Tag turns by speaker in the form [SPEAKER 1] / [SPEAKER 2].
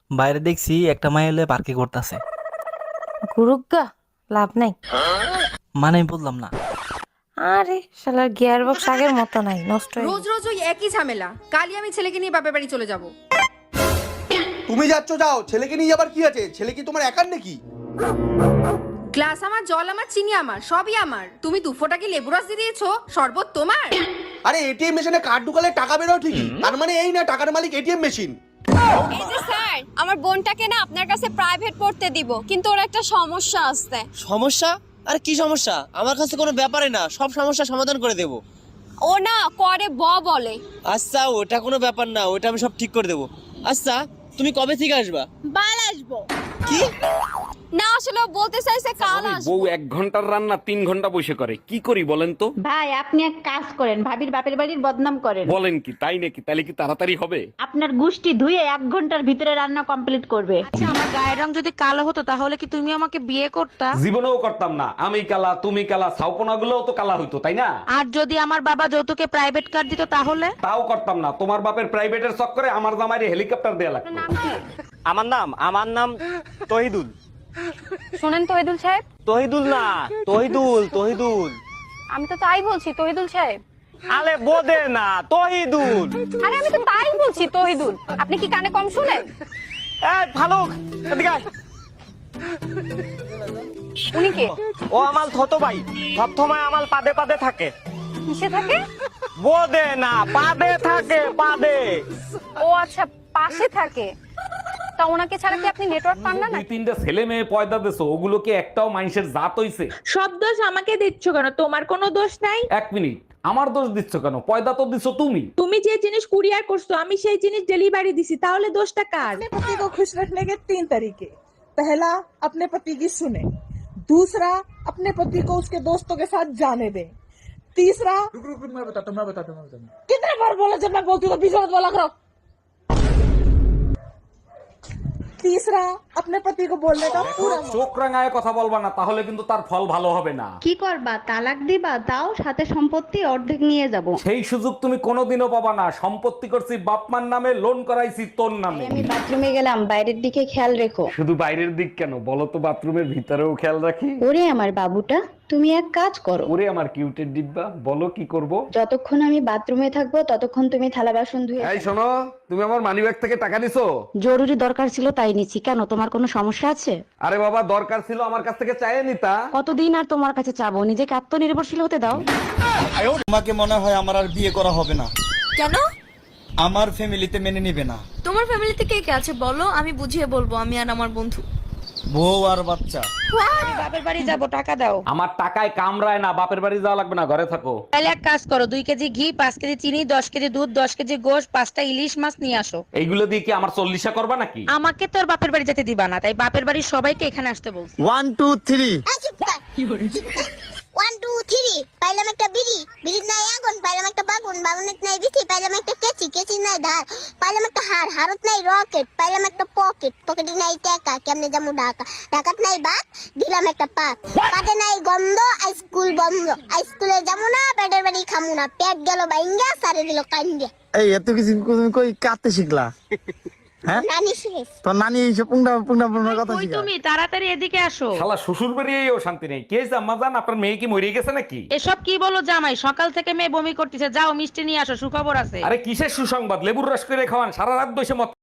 [SPEAKER 1] বাইরে দেখছি একটা মাই এলে পার্কে করতেছে।
[SPEAKER 2] গুরুগা, লাভ নাই।
[SPEAKER 1] মানে আমি বললাম না।
[SPEAKER 2] আরে শালার গিয়ার বক্স আগের মতো নাই, নষ্ট হয়ে
[SPEAKER 3] রোজ
[SPEAKER 2] গেছে।
[SPEAKER 3] রোজ ওই একই ঝামেলা। কালই আমি ছেলেকে নিয়ে বাপের বাড়ি চলে যাব।
[SPEAKER 4] তুমি যাচ্ছ যাও, ছেলেকে নিয়ে যাবার কি আছে? ছেলে কি তোমার একার নাকি?
[SPEAKER 3] গ্লাস আমার, জল আমার, চিনি আমার, সবই আমার। তুমি দুফোটা কি লেবু রস দিয়ে দিয়েছো? শরবত তোমার?
[SPEAKER 4] আরে এটিএম মেশিনে কার্ড ঢুকালে টাকা বেরোয় ঠিকই, তার মানে এই না টাকার মালিক এটিএম মেশিন।
[SPEAKER 5] এই যে স্যার, আমার বোনটাকে না আপনার কাছে প্রাইভেট পড়তে দিব, কিন্তু ওর একটা সমস্যা আছে।
[SPEAKER 6] সমস্যা? আরে কি সমস্যা? আমার কাছে কোনো ব্যাপারই না, সব সমস্যা সমাধান করে দেব।
[SPEAKER 5] ও না করে বলে।
[SPEAKER 6] আচ্ছা ওটা কোনো ব্যাপার না, ওটা আমি সব ঠিক করে দেব। আচ্ছা তুমি কবে থেকে আসবা?
[SPEAKER 5] বাল আসবো।
[SPEAKER 6] কি?
[SPEAKER 5] না আসলে ও বলতে চাইছে কাল আসবো।
[SPEAKER 7] বউ 1 ঘন্টার রান্না 3 ঘন্টা বসে করে, কি করি বলেন তো?
[SPEAKER 8] ভাই আপনি এক কাজ করেন, ভাবির বাপের বাড়ির বদনাম করেন।
[SPEAKER 7] বলেন কি, তাই নাকি? তাহলে কি তাড়াতাড়ি হবে?
[SPEAKER 8] আপনার গুষ্টি ধুয়ে 1 ঘন্টার ভিতরে রান্না কমপ্লিট করবে।
[SPEAKER 2] আচ্ছা, আমার গায়ের রং যদি কালো হতো তাহলে কি তুমি আমাকে বিয়ে করতা?
[SPEAKER 7] জীবনেও করতাম না। আমি কালা, তুমি কালা, ছাউপনা গুলোও তো কালা হইতো, তাই না?
[SPEAKER 2] আর যদি আমার বাবা যৌতুকে প্রাইভেট কার দিত তাহলে?
[SPEAKER 7] তাও করতাম না। তোমার বাপের প্রাইভেটের চক্করে আমার জামাইরে হেলিকপ্টার দেয়া লাগতো।
[SPEAKER 6] আমার নাম তহিদুল।
[SPEAKER 5] শুনেন তহিদুল সাহেব,
[SPEAKER 6] তহিদুল না, তহিদুল।
[SPEAKER 5] আমি তো তাই বলছি তহিদুল সাহেব।
[SPEAKER 6] আলে বোদে না, তহিদুল।
[SPEAKER 5] আরে আমি তো তাই বলছি তহিদুল, আপনি কি কানে কম শুনেন?
[SPEAKER 6] এই ফালুক, এদিকে আয়।
[SPEAKER 5] উনি কে?
[SPEAKER 6] ও আমার ছোট ভাই, সবসময় আমার পাদে পাদে থাকে।
[SPEAKER 5] কিসে থাকে?
[SPEAKER 6] বোদে না, পাদে থাকে, পাদে।
[SPEAKER 5] ও আচ্ছা, পাশে থাকে। তা ওনাকে ছাড়া কি আপনি নেটওয়ার্ক পান না?
[SPEAKER 7] 2-3টা ছেলে মেয়ে পয়দা দিছো, ওগুলো কি একটাও মানুষের জাত হইছে?
[SPEAKER 2] সব দোষ আমাকে দিচ্ছ কেন? তোমার কোনো দোষ নাই।
[SPEAKER 7] 1 মিনিট, আমার দোষ দিচ্ছ কেন? পয়দা তো দিছো তুমি।
[SPEAKER 2] তুমি যে জিনিস কুরিয়ার করছো আমি সেই জিনিস ডেলিভারি দিছি, তাহলে দোষটা কার?
[SPEAKER 9] अपने पति को खुश रखने के 3 तरीके। पहला, अपने पति की सुने। दूसरा, अपने पति को उसके दोस्तों के साथ जाने दें। तीसरा, रुक मैं बताता हूँ। कितने बार बोला जब मैं बोलती हूँ तो बीच में मत बोला करो। तीसरा, अपने पति को बोलने का पूरा मौका।
[SPEAKER 7] চোখ রাঙায় কথা বলবা না, তাহলে কিন্তু তার ফল ভালো হবে না।
[SPEAKER 8] কি করবা? তালাক দিবা? তাও সাথে সম্পত্তি অর্ধেক নিয়ে যাব।
[SPEAKER 7] সেই সুযোগ তুমি কোনোদিনও পাবা না। সম্পত্তি করছি বাপমার নামে, লোন করাইছি তোর নামে।
[SPEAKER 8] আমি বাথরুমে গেলাম, বাইরের দিকে খেয়াল রেখো।
[SPEAKER 7] শুধু বাইরের দিক কেন, বলো তো বাথরুমের ভিতরেও খেয়াল রাখি।
[SPEAKER 8] ওরে আমার বাবুটা, তুমি এক কাজ করো।
[SPEAKER 7] ওরে আমার কিউটের ডিব্বা, বলো কি করব?
[SPEAKER 8] যতক্ষণ আমি বাথরুমে থাকবো ততক্ষণ তুমি থালা বাসন ধুয়ে।
[SPEAKER 7] এই শোনো, তুমি আমার মানিব্যাগ থেকে টাকা নিছো?
[SPEAKER 8] জরুরি দরকার ছিল তাই নিচ্ছি। কেন, তোমার কোনো সমস্যা আছে?
[SPEAKER 7] আরে বাবা, দরকার ছিল আমার কাছ থেকে চাইয়ে নিতা।
[SPEAKER 8] কতদিন আর তোমার কাছে চাবো? নিজেকে আত্মনির্ভরশীল হতে দাও।
[SPEAKER 4] তোমাকে মনে হয় আমার আর বিয়ে করা হবে না।
[SPEAKER 5] কেন?
[SPEAKER 4] আমার ফ্যামিলিতে মেনে নিবে না।
[SPEAKER 5] তোমার ফ্যামিলিতে কে কে আছে বলো, আমি বুঝিয়ে বলবো, আমি আর আমার বন্ধু।
[SPEAKER 4] বউ আর বাচ্চা।
[SPEAKER 2] বাপের বাড়ি যাবো, টাকা দাও।
[SPEAKER 7] আমার টাকায় কামড়ায় না, বাপের বাড়ি যাওয়া লাগবে না, ঘরে থাকো।
[SPEAKER 2] তাহলে এক কাজ করো, 2 কেজি ঘি, 5 কেজি চিনি, 10 কেজি দুধ, 10 কেজি গোশ, 5টা ইলিশ মাছ নিয়ে আসো।
[SPEAKER 7] এইগুলো দিয়ে কি আমার 40 করবা নাকি?
[SPEAKER 2] আমাকে তোর বাপের বাড়ি যেতে দিবা না, তাই বাপের বাড়ির সবাইকে এখানে আসতে বলছি।
[SPEAKER 6] 1 2 3।
[SPEAKER 10] 1 2 3 পাইলাম একটা বিড়ি, বিড়ির নাই আগুন, পাইলাম একটা বাগুন, বাগুনের নাই বিথি, পাইলাম একটা কেচি, কেচির নাই ধার, পাইলাম একটা হার, হারত নাই রকেট, পাইলাম একটা পকেট, পকেটে নাই টাকা, কেমনে যাবো ঢাকা, ঢাকাত নাই বাত, দিলাম একটা পাত, পাতে নাই গন্ধ, স্কুল বন্ধ, স্কুলে যাবো না, পেটের বাড়ি খামু না, পেট গেল বাইঙ্গা, সারে দিল কান্দিয়া।
[SPEAKER 6] এই এত কিছু তুমি কই কাটতে শিখলা? হ্যাঁ,
[SPEAKER 10] নানি শেষ।
[SPEAKER 6] তোর নানি এইসব পুংটা কথা
[SPEAKER 2] কই
[SPEAKER 6] শিখা।
[SPEAKER 2] তুমি? তাড়াতাড়ি এদিকে আসো।
[SPEAKER 7] শালা শ্বশুর বাড়িয়েও শান্তি নেই। কে জাম্মা জান, আপনার মেয়ে কি মরে গেছে নাকি?
[SPEAKER 2] এসব কি বলো জামাই? সকাল থেকে মেয়ে বমি করতেছে, যাও মিষ্টি নিয়ে আসো, সুখবর আছে।
[SPEAKER 7] আরে কিসের সুসংবাদ? লেবুর রস করে খাওয়ান, সারা রাত বসে মদ